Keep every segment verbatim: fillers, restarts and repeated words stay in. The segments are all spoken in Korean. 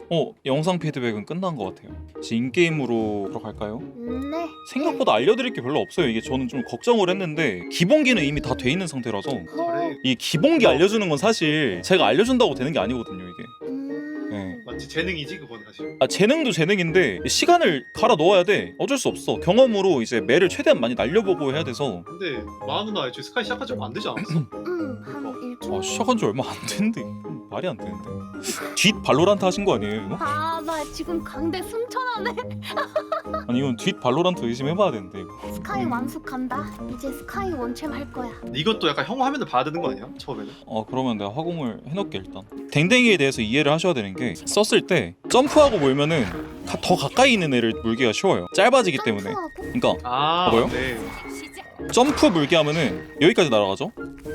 어 영상 피드백은 끝난 것 같아요. 이제 인게임으로 들어갈까요? 네. 생각보다 알려드릴 게 별로 없어요. 이게 저는 좀 걱정을 했는데 기본기는 이미 다 돼 있는 상태라서 어, 이 기본기 알려주는 건 사실 제가 알려준다고 되는 게 아니거든요 이게. 음... 네. 맞지, 재능이지 그건 사실. 아 재능도 재능인데 시간을 갈아 넣어야 돼. 어쩔 수 없어. 경험으로 이제 매를 최대한 많이 날려보고 해야 돼서. 근데 마아 누나 애초에 스카이 시작한 지 얼마 안 되지 않았어? 음, 한 일주일. 아 시작한 지 얼마 안 됐는데 말이 안 되는데. 뒷 발로란트 하신 거 아니에요 이거? 아, 나 지금 강대 승천하네. 아니 이건 뒷 발로란트 의심해봐야 되는데 이거. 스카이 완숙한다. 이제 스카이 원챔 할 거야. 이것도 약간 형 화면을 봐야 되는 거 아니야? 처음에는? 어 그러면 내가 화공을 해놓을게 일단. 댕댕이에 대해서 이해를 하셔야 되는 게 썼을 때 점프하고 몰면은 가, 더 가까이 있는 애를 물기가 쉬워요. 짧아지기 때문에. 점프하고? 그러니까 아, 뭐요? 네. 점프 물기 하면은 여기까지 날아가죠.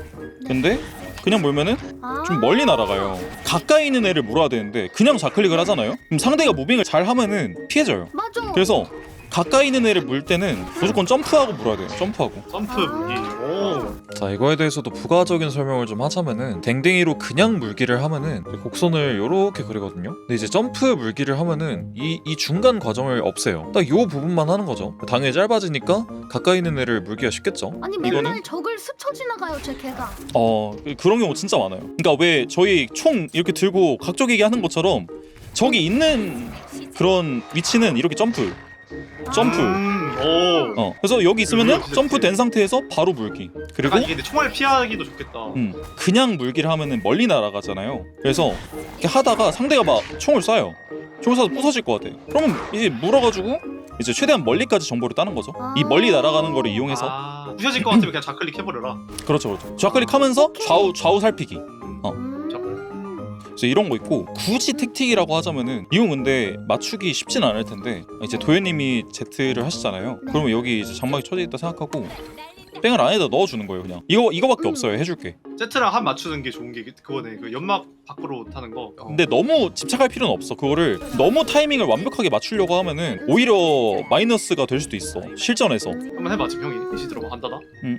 근데 그냥 몰면은 아, 좀 멀리 날아가요. 가까이 있는 애를 물어야 되는데 그냥 좌클릭을 하잖아요. 그럼 상대가 무빙을 잘 하면은 피해져요. 맞아. 그래서 가까이 있는 애를 물 때는 무조건 점프하고 물어야 돼요. 점프하고. 점프 아. 무기. 오. 자 이거에 대해서도 부가적인 설명을 좀 하자면은 댕댕이로 그냥 물기를 하면은 곡선을 요렇게 그리거든요. 근데 이제 점프 물기를 하면은 이, 이 중간 과정을 없애요. 딱 요 부분만 하는 거죠. 당연히 짧아지니까 가까이 있는 애를 물기가 쉽겠죠. 아니 맨날 이거는 적을 스쳐 지나가요 제 개가. 어 그- 그런 경우 진짜 많아요. 그러니까 왜 저희 총 이렇게 들고 각쪽이게 하는 것처럼 저기 있는 그런 위치는 이렇게 점프 점프. 음, 오. 어 그래서 여기 있으면은 진짜 점프 된 좋지. 상태에서 바로 물기. 그리고 아, 이게 근데 총알 피하기도 좋겠다. 음, 그냥 물기를 하면은 멀리 날아가잖아요. 그래서 이렇게 하다가 상대가 막 총을 쏴요. 총을 쏴서 부서질 것 같아. 그러면 이제 물어가지고 이제 최대한 멀리까지 정보를 따는 거죠. 이 멀리 날아가는 거를 이용해서. 아, 부셔질 것 같으면 그냥 좌클릭 해버려라. 그렇죠, 그렇죠. 좌클릭하면서 좌우 좌우 살피기. 어. 음. 잠깐만. 그래서 이런 거 있고 굳이 택틱이라고 하자면은 이건 근데 맞추기 쉽진 않을 텐데 이제 도현님이 Z를 하시잖아요. 네. 그러면 여기 이제 장막이 쳐져 있다 생각하고 뺑을 안에다 넣어주는 거예요. 그냥 이거 이거밖에 음. 없어요. 해줄게. 세트랑 한 맞추는 게 좋은 게 그거네. 그 연막 밖으로 타는 거. 어. 근데 너무 집착할 필요는 없어. 그거를 너무 타이밍을 완벽하게 맞추려고 하면은 오히려 마이너스가 될 수도 있어. 실전에서. 한번 해봐 지금 형이 이시 들어봐. 한다다. 음.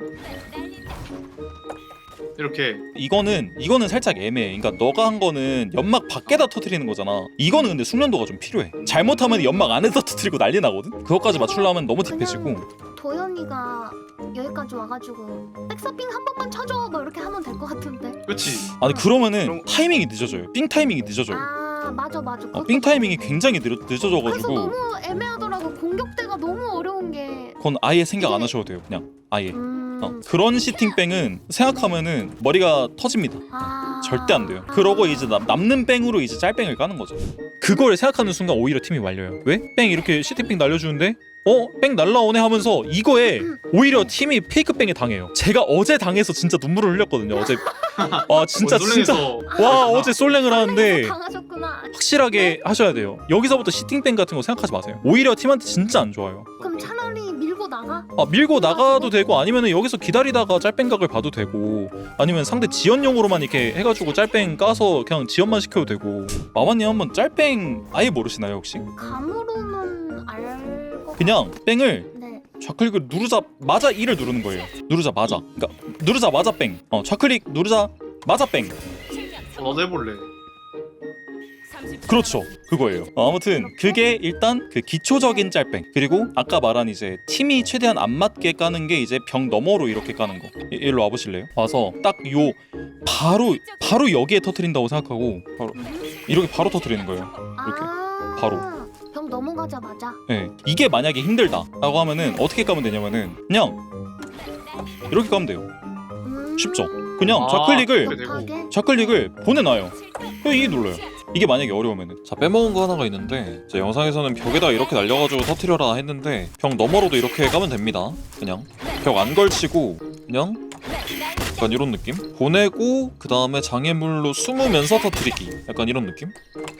이렇게. 이거는 이거는 살짝 애매해. 그러니까 너가 한 거는 연막 밖에다 터트리는 거잖아. 이거는 근데 숙련도가 좀 필요해. 잘못하면 연막 안에다 터트리고 난리 나거든. 그것까지 맞추려면 너무 딥해지고. 도현이가 여기까지 와가지고 백서핑 한 번만 쳐줘 뭐 이렇게 하면 될 것 같은데. 그렇지. 아니 그러면은 그럼- 타이밍이 늦어져요. 삥 타이밍이 늦어져요. 아 맞아 맞아. 어, 삥 타이밍이 굉장히 늦어, 그래서 늦어져가지고 너무 애매하더라고. 공격대가 너무 어려운 게. 그건 아예 생각 안 하셔도 돼요. 그냥 아예. 음. 어, 그런 시팅뺑은 생각하면은 머리가 터집니다. 아... 절대 안 돼요. 그러고 이제 남, 남는 뺑으로 이제 짤뺑을 까는 거죠. 그걸 생각하는 순간 오히려 팀이 말려요. 왜? 뺑 이렇게 시팅뺑 날려주는데 어? 뺑 날라오네 하면서 이거에 오히려 팀이 페이크 뺑에 당해요. 제가 어제 당해서 진짜 눈물을 흘렸거든요. 어제 아 진짜 진짜 와 어제 솔랭을 하는데 당하셨구나. 확실하게 하셔야 돼요. 여기서부터 시팅뺑 같은 거 생각하지 마세요. 오히려 팀한테 진짜 안 좋아요. 그럼 차라리 밀고 나가? 아 밀고 나가도 되고 아니면은 여기서 기다리다가 짤뺑각을 봐도 되고 아니면 상대 지연용으로만 이렇게 해가지고 짤뺑 까서 그냥 지연만 시켜도 되고. 마마님 한번 짤뺑 아예 모르시나요 혹시? 감으로는 알 거. 그냥 뺑을 네. 좌클릭을 누르자마자 이를 누르는 거예요. 누르자마자. 그러니까 누르자마자 뺑. 어 좌클릭 누르자마자 뺑. 어, 나도 해볼래. 그렇죠. 그거예요. 어, 아무튼 그게 일단 그 기초적인 짤뺑. 그리고 아까 말한 이제 팀이 최대한 안 맞게 까는 게 이제 병 너머로 이렇게 까는 거. 이- 일로 와보실래요? 와서 딱 요 바로 바로 여기에 터트린다고 생각하고 바로 이렇게 바로 터트리는 거예요. 이렇게 아... 바로. 병 넘어가자마자. 네. 이게 만약에 힘들다라고 하면은 어떻게 까면 되냐면은 그냥 이렇게 까면 돼요. 음... 쉽죠? 그냥 아, 좌클릭을 그렇게 되고. 못하게? 좌클릭을 보내놔요. 그냥 이 눌러요. 이게 만약에 어려우면은. 자 빼먹은 거 하나가 있는데 제 영상에서는 벽에다 이렇게 날려가지고 터트려라 했는데 벽 너머로도 이렇게 까면 됩니다. 그냥 벽 안 걸치고 그냥 약간 이런 느낌? 보내고 그 다음에 장애물로 숨으면서 터트리기. 약간 이런 느낌?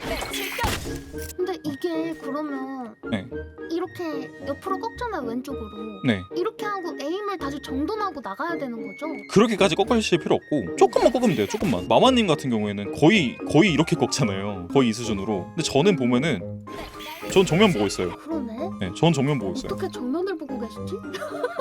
근데 이게 그러면 네. 이렇게 옆으로 꺾잖아요 왼쪽으로. 네. 이렇게 하고 에임을 다시 정돈하고 나가야 되는 거죠? 그렇게까지 꺾으실 필요 없고 조금만 꺾으면 돼요. 조금만. 마마님 같은 경우에는 거의 거의 이렇게 꺾잖아요. 거의 이 수준으로. 근데 저는 보면은 전 정면 보고 있어요. 그러네. 네, 전 정면 보고 있어요. 어떻게 정면을 보고 계시지?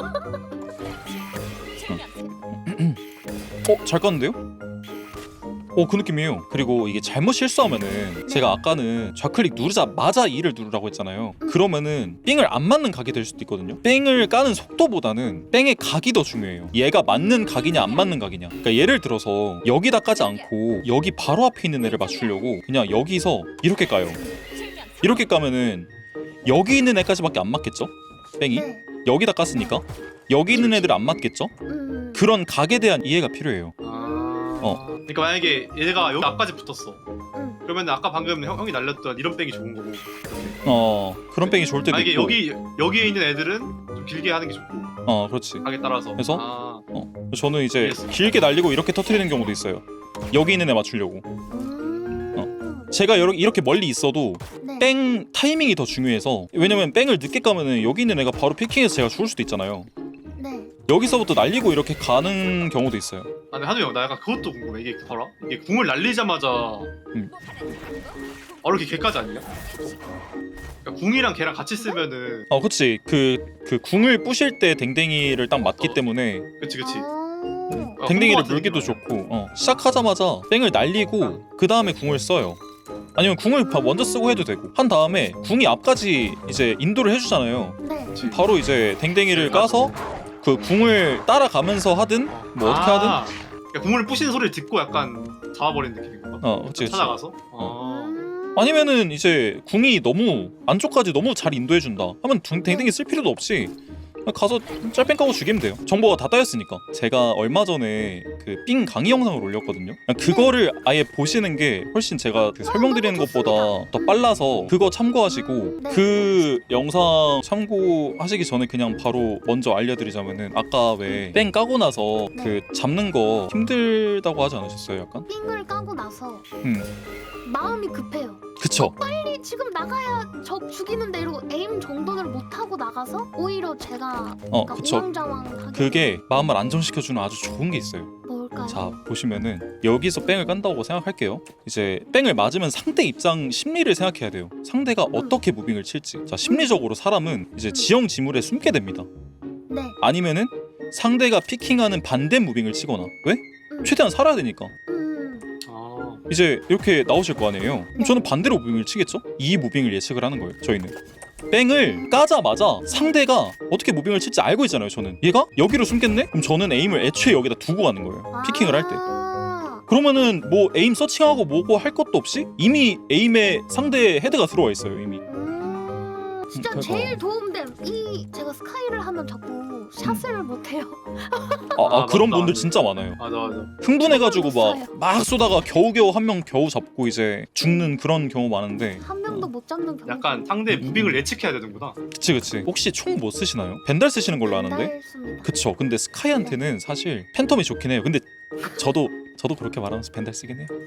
어? 잘 깠는데요? 어, 그 느낌이에요. 그리고 이게 잘못 실수하면은 제가 아까는 좌클릭 누르자마자 이를 누르라고 했잖아요. 그러면은 삥을 안 맞는 각이 될 수도 있거든요. 뺑을 까는 속도보다는 뺑의 각이 더 중요해요. 얘가 맞는 각이냐 안 맞는 각이냐. 그러니까 예를 들어서 여기다 까지 않고 여기 바로 앞에 있는 애를 맞추려고 그냥 여기서 이렇게 까요. 이렇게 까면은 여기 있는 애까지밖에 안 맞겠죠? 뺑이? 네. 여기다 깠으니까 여기 있는 애들 안 맞겠죠? 음. 그런 각에 대한 이해가 필요해요. 아... 어. 그러니까 만약에 얘가 여기 앞까지 붙었어. 음. 그러면 아까 방금 형, 형이 날렸던 이런 뺑이 좋은 거고. 어, 그런 뺑이 좋을 때도 만약에 있고. 여기 여기에 있는 애들은 좀 길게 하는 게 좋고. 어, 그렇지. 각에 따라서. 그래서? 아... 어, 저는 이제 이해했어. 길게 날리고 이렇게 터트리는 경우도 있어요. 여기 있는 애 맞추려고. 음. 제가 여러- 이렇게 멀리 있어도 네. 뺑 타이밍이 더 중요해서, 왜냐면 뺑을 늦게 까면은 여기 있는 애가 바로 피킹해서 제가 죽을 수도 있잖아요. 네. 여기서부터 날리고 이렇게 가는 경우도 있어요. 아, 근데 한우 형, 나 약간 그것도 궁금해. 이게 봐라. 이게 궁을 날리자마자 음. 바로 이렇게 걔까지 아니야? 그러니까 궁이랑 걔랑 같이 쓰면은 어, 그치. 그, 그 궁을 부실 때 댕댕이를 딱 맞기 때문에 그치 그치. 아. 아, 댕댕이를 궁 물기도 같은 느낌 좋고, 어, 시작하자마자 뺑을 날리고 그 다음에 궁을 써요. 아니면 궁을 바- 먼저 쓰고 해도 되고, 한 다음에 궁이 앞까지 이제 인도를 해주잖아요. 네. 그치. 바로 이제 댕댕이를 까서 그 궁을 따라가면서 하든 뭐 어떻게 하든. 아, 그러니까 궁을 부시는 소리를 듣고 약간 잡아버리는 느낌인 건가? 어, 그치, 그치. 찾아가서? 아. 음. 아니면은 이제 궁이 너무 안쪽까지 너무 잘 인도해준다 하면 둥- 댕댕이 쓸 필요도 없이 그냥 가서 짤뺑 까고 죽이면 돼요. 정보가 다 따였으니까. 제가 얼마 전에 그 삥 강의 영상을 올렸거든요. 그냥 그거를 아예 보시는 게 훨씬 제가 그 설명드리는 것보다 더 빨라서 그거 참고하시고, 네. 그 영상 참고하시기 전에 그냥 바로 먼저 알려드리자면은, 아까 왜 뺑 까고 나서 그 잡는 거 힘들다고 하지 않으셨어요? 약간? 삥을 까고 나서 음, 마음이 급해요. 그쵸. 빨리 지금 나가야 저 죽이는데 이러고 에임 정돈을 못 하고 나가서 오히려 제가 어, 그러니까 그쵸. 우왕좌왕하게. 그게 마음을 안정시켜주는 아주 좋은 게 있어요. 뭘까요? 자, 보시면은 여기서 뺑을 깐다고 생각할게요. 이제 뺑을 맞으면 상대 입장 심리를 생각해야 돼요. 상대가 어떻게 무빙을 칠지. 자, 심리적으로 사람은 이제 지형 지물에 숨게 됩니다. 네. 아니면은 상대가 피킹하는 반대 무빙을 치거나. 왜? 음. 최대한 살아야 되니까. 음. 아. 이제 이렇게 나오실 거 아니에요. 그럼 네. 저는 반대로 무빙을 치겠죠? 이 무빙을 예측을 하는 거예요. 저희는 뺑을 까자마자 상대가 어떻게 무빙을 칠지 알고 있잖아요. 저는 얘가 여기로 숨겠네? 그럼 저는 에임을 애초에 여기다 두고 가는 거예요. 피킹을 할 때. 아. 그러면은 뭐 에임 서칭하고 뭐고 할 것도 없이 이미 에임에 상대의 헤드가 들어와 있어요. 이미. 음. 진짜 그거. 제일 도움된 이 제가 스카이를 하면 자꾸 샷을 음. 못 해요. 아, 아, 아, 그런 맞다. 분들 진짜 많아요. 맞아 맞아. 흥분해가지고 없어요. 막 막 쏘다가 겨우겨우 한 명 겨우 잡고 이제 죽는 그런 경우 많은데. 한 명도 못 잡는 경우. 약간 상대 무빙을 예측해야 되는구나. 그치 그치. 혹시 총 뭐 쓰시나요? 벤달 쓰시는 걸로 아는데. 습니다 그쵸. 근데 스카이한테는 사실 팬텀이 좋긴 해요. 근데 저도 저도 그렇게 말하면서 벤달 쓰긴 해요.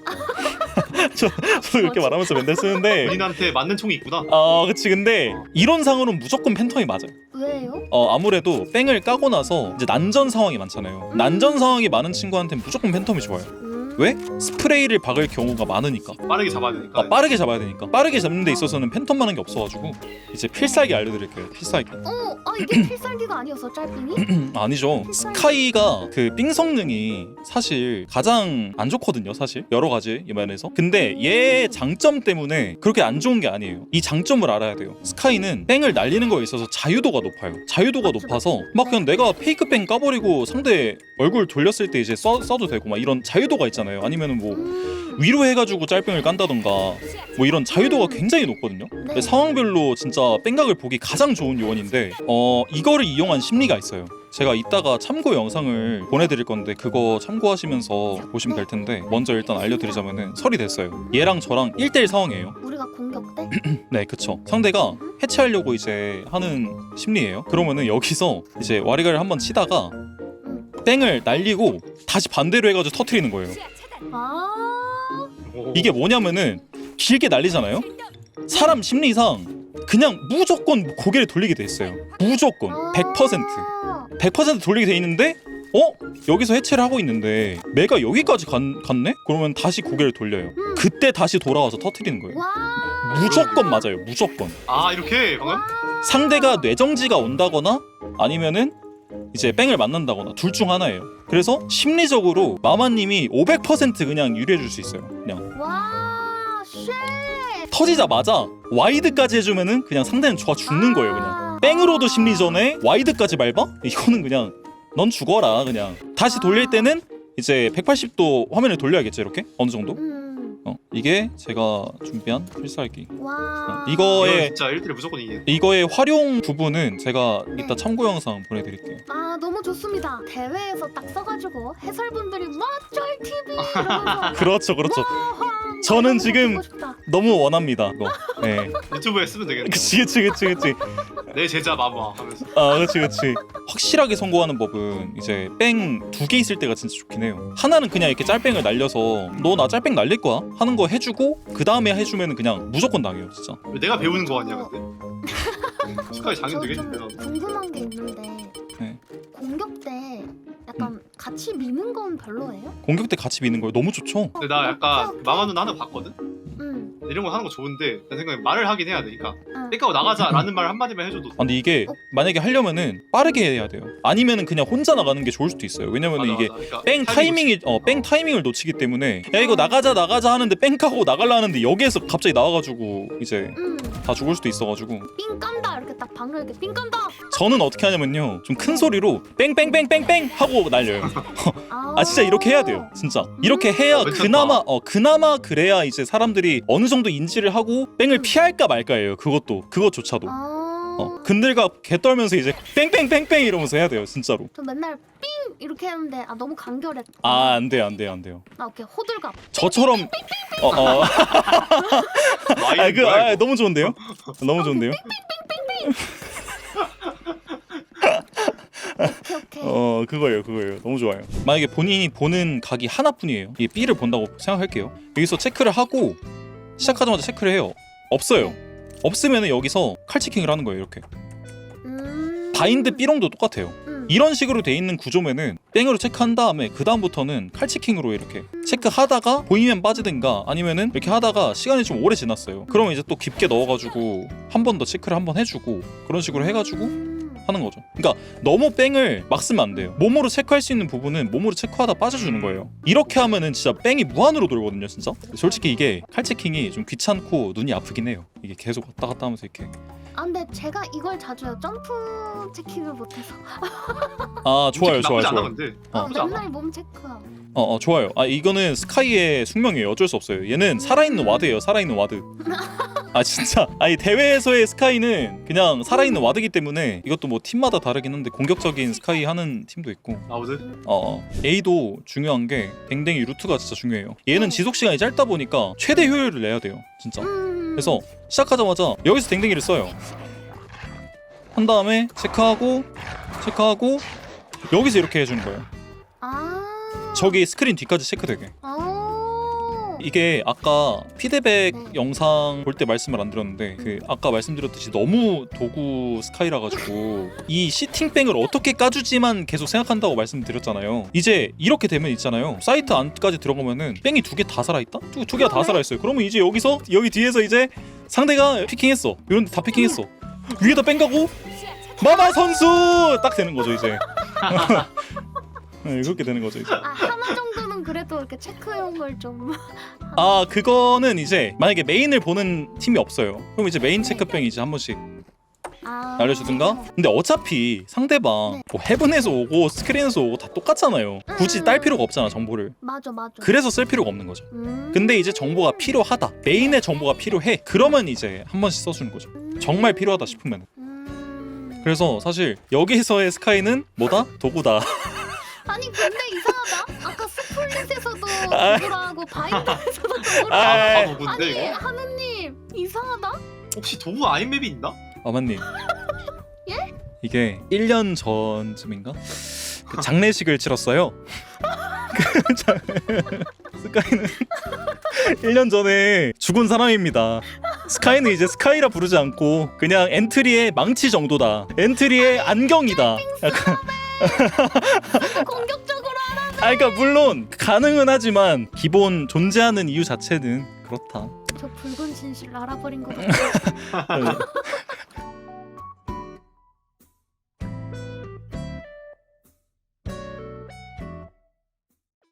저, 저도 그렇게 말하면서 벤달 쓰는데. 본인한테 맞는 총이 있구나. 아, 그치. 근데 이론상으로는 무조건 팬텀이 맞아요. 왜요? 어, 아무래도 뺑을 까고 나서 이제 난전 상황이 많잖아요. 난전 상황이 많은 친구한테는 무조건 팬텀이 좋아요. 음. 왜? 스프레이를 박을 경우가 많으니까. 빠르게 잡아야 되니까. 아, 빠르게 잡아야 되니까. 빠르게 잡는 데 있어서는 팬텀만한 게 없어가지고 이제 필살기 알려드릴게요. 필살기. 어, 아 이게 필살기가 아니었어 짤빙이? 음, 아니죠. 스카이가 그 삥 성능이 사실 가장 안 좋거든요. 사실 여러 가지 면에서. 근데 얘 장점 때문에 그렇게 안 좋은 게 아니에요. 이 장점을 알아야 돼요. 스카이는 뺑을 날리는 거에 있어서 자유도가 높아요. 자유도가 맞죠, 높아서 맞죠. 막 그냥 내가 페이크 뺑 까버리고 상대 얼굴 돌렸을 때 이제 써, 써도 되고 막 이런 자유도가 있잖아요. 아니면은 뭐 음. 위로 해가지고 짤뺑을 깐다던가 뭐 이런 자유도가 굉장히 높거든요. 네. 상황별로 진짜 뺑각을 보기 가장 좋은 요원인데, 어 이거를 이용한 심리가 있어요. 제가 이따가 참고 영상을 보내드릴 건데 그거 참고하시면서 보시면 될 텐데, 먼저 일단 알려드리자면은 설이 됐어요. 얘랑 저랑 일 대일 상황이에요. 우리가 공격 때? 네, 그쵸. 상대가 해체하려고 이제 하는 심리예요. 그러면은 여기서 이제 와리가를 한번 치다가 뺑을 날리고 다시 반대로 해가지고 터트리는 거예요. 아. 오. 이게 뭐냐면은 길게 날리잖아요. 사람 심리상 그냥 무조건 고개를 돌리게 돼 있어요. 무조건 백 퍼센트 아. 백 퍼센트 돌리게 돼 있는데, 어? 여기서 해체를 하고 있는데 매가 여기까지 간, 갔네? 그러면 다시 고개를 돌려요. 음. 그때 다시 돌아와서 터트리는 거예요. 와. 무조건 맞아요. 무조건. 아 이렇게 방금? 상대가 뇌정지가 온다거나 아니면은 이제 뺑을 맞는다거나 둘 중 하나예요. 그래서 심리적으로 마마님이 오백 퍼센트 그냥 유리해줄 수 있어요. 그냥 와, 쉣. 터지자마자 와이드까지 해주면은 그냥 상대는 좋아 죽는 거예요. 그냥 뺑으로도 심리전에 와이드까지 밟아? 이거는 그냥 넌 죽어라. 그냥 다시 돌릴 때는 이제 백팔십 도 화면을 돌려야겠죠. 이렇게 어느 정도. 음. 어, 이게 제가 준비한 필살기. 와. 어, 이거 이거의 진짜 일 대 일 무조건 이기네. 이거의 활용 부분은 제가 네. 이따 참고 영상 보내드릴게요. 아, 너무 좋습니다. 대회에서 딱 써가지고 해설분들이 맞쩔 티비 이러면서 그렇죠, 그렇죠. 와하, 저는 너무 지금 보고 싶다. 너무 원합니다. 이거. 네. 유튜브에 쓰면 되겠네. 그치, 그치, 그치, 그치. 내 제자 마마 하면서. 아, 그치, 그치. 확실하게 성공하는 법은 이제 뺑 두 개 있을 때가 진짜 좋긴 해요. 하나는 그냥 이렇게 짤뺑을 날려서 너 나 짤뺑 날릴 거야 하는 거 해주고 그 다음에 해주면은 그냥 무조건 당해요, 진짜. 왜 내가 배우는 거 같냐 근데? 스카이 장인 저 되겠는데 좀 나. 궁금한 게 있는데 네. 공격 때 약간 같이 미는 건 별로예요? 공격 때 같이 미는 거예요. 너무 좋죠. 근데 나 약간 마마 누나 하나 봤거든? 응. 이런 거 하는 거 좋은데 내 생각에 말을 하긴 해야 되니까 응. 땡까고 나가자라는 말 한마디만 해줘도 아, 근데 이게 만약에 하려면은 빠르게 해야 돼요. 아니면은 그냥 혼자 나가는 게 좋을 수도 있어요. 왜냐면은 맞아, 이게 맞아. 그러니까 뺑 타이밍이 어 뺑 타이밍을 놓치기 때문에 야 이거 나가자 나가자 하는데 뺑 까고 나갈라 하는데 여기에서 갑자기 나와가지고 이제 응. 다 죽을 수도 있어가지고 삥 깐다 이렇게 딱 방을 이렇게 삥 깐다. 저는 어떻게 하냐면요 좀 큰 소리로 뺑뺑뺑뺑뺑 하고 날려요. 아 진짜 이렇게 해야 돼요. 진짜 이렇게 해야 괜찮다. 그나마 어 그나마 그래야 이제 사람들이 어느 정도 인지를 하고 뺑을 피할까 말까예요. 그것도 그것조차도 아. 어 근들과 개 떨면서 이제 뺑뺑뺑뺑 이러면서 해야 돼요 진짜로. 저 맨날 삥 이렇게 했는데 아 너무 간결했다. 아 안 돼요 안 돼요 안 돼요. 나 이렇게 호들갑. 저처럼 어어 마인 아, 그, 뭐야, 아, 이거? 너무 좋은데요? 너무 좋은데요? 오케이 오케이. 어 그거예요 그거예요 너무 좋아요. 만약에 본인이 보는 각이 하나뿐이에요. 이 B를 본다고 생각할게요. 여기서 체크를 하고 시작하자마자 체크를 해요. 없어요. 없으면 여기서 칼치킹을 하는 거예요. 이렇게 음. 바인드 B롱도 똑같아요. 음. 이런 식으로 돼 있는 구조면은 뺑으로 체크한 다음에 그 다음부터는 칼치킹으로 이렇게 체크하다가 보이면 빠지든가 아니면은 이렇게 하다가 시간이 좀 오래 지났어요. 그러면 이제 또 깊게 넣어가지고 한 번 더 체크를 한 번 해주고 그런 식으로 해가지고 음. 하는 거죠. 그러니까 너무 뺑을 막 쓰면 안 돼요. 몸으로 체크할 수 있는 부분은 몸으로 체크하다 빠져주는 거예요. 이렇게 하면은 진짜 뺑이 무한으로 돌거든요, 진짜. 솔직히 이게 칼체킹이 좀 귀찮고 눈이 아프긴 해요. 이게 계속 왔다 갔다 하면서 이렇게. 아 근데 제가 이걸 자주 해요. 점프 체킹을 못해서. 아 좋아요, 나쁘지 좋아요, 않아 좋아요. 근데. 어. 나쁘지 않아. 맨날 몸 체크. 어, 어 좋아요. 아 이거는 스카이의 숙명이에요. 어쩔 수 없어요. 얘는 살아있는 와드예요. 살아있는 와드. 아 진짜. 아니 대회에서의 스카이는 그냥 살아있는 와드기 때문에 이것도 뭐 팀마다 다르긴 한데 공격적인 스카이 하는 팀도 있고. 나오드? 어, 어. A도 중요한 게 댕댕이 루트가 진짜 중요해요. 얘는 지속 시간이 짧다 보니까 최대 효율을 내야 돼요. 진짜. 음. 그래서 시작하자마자 여기서 댕댕이를 써요. 한 다음에 체크하고 체크하고 여기서 이렇게 해주는 거예요. 아. 저기 스크린 뒤까지 체크되게. 아. 이게 아까 피드백 네. 영상 볼 때 말씀을 안 드렸는데 그 아까 말씀드렸듯이 너무 도구 스카이라 가지고 이 시팅뱅을 어떻게 까주지만 계속 생각한다고 말씀드렸잖아요. 이제 이렇게 되면 있잖아요. 사이트 안까지 들어가면은 뺑이 두 개 다 살아있다? 두, 두 개가 다 살아있어요. 그러면 이제 여기서 여기 뒤에서 이제 상대가 피킹했어. 이런데 다 피킹했어. 위에다 뺑 가고 마마 선수 딱 되는 거죠 이제. 네, 그렇게 되는 거죠 이제. 아 하나 정도는 그래도 이렇게 체크용을 좀. 아 그거는 이제 만약에 메인을 보는 팀이 없어요. 그럼 이제 메인 체크뱅 이제 한 번씩 아. 날려주든가. 근데 어차피 상대방 네. 뭐 헤븐에서 오고 스크린에서 오고 다 똑같잖아요. 굳이 딸 필요가 없잖아 정보를. 맞아 맞아. 그래서 쓸 필요가 없는 거죠. 음. 근데 이제 정보가 필요하다. 메인의 정보가 필요해. 그러면 이제 한 번씩 써주는 거죠. 음. 정말 필요하다 싶으면. 음. 그래서 사실 여기서의 스카이는 뭐다? 도구다. 아니 근데 이상하다. 아까 스플릿에서도 아. 도구라고 바인더에서도 도구라고. 아, 다 아니 도구인데 이거? 하느님 이상하다. 혹시 도구 아닌 맵이 있나? 아마님. 예? 이게 일 년 전쯤인가? 그 장례식을 치렀어요. 그 장... 스카이는 일 년 전에 죽은 사람입니다. 스카이는 이제 스카이라 부르지 않고 그냥 엔트리의 망치 정도다. 엔트리의 안경이다. 약간 공격적으로 하라. 아 그러니까 물론 가능은 하지만 기본 존재하는 이유 자체는 그렇다. 저 붉은 진실 알아버린 것 같아.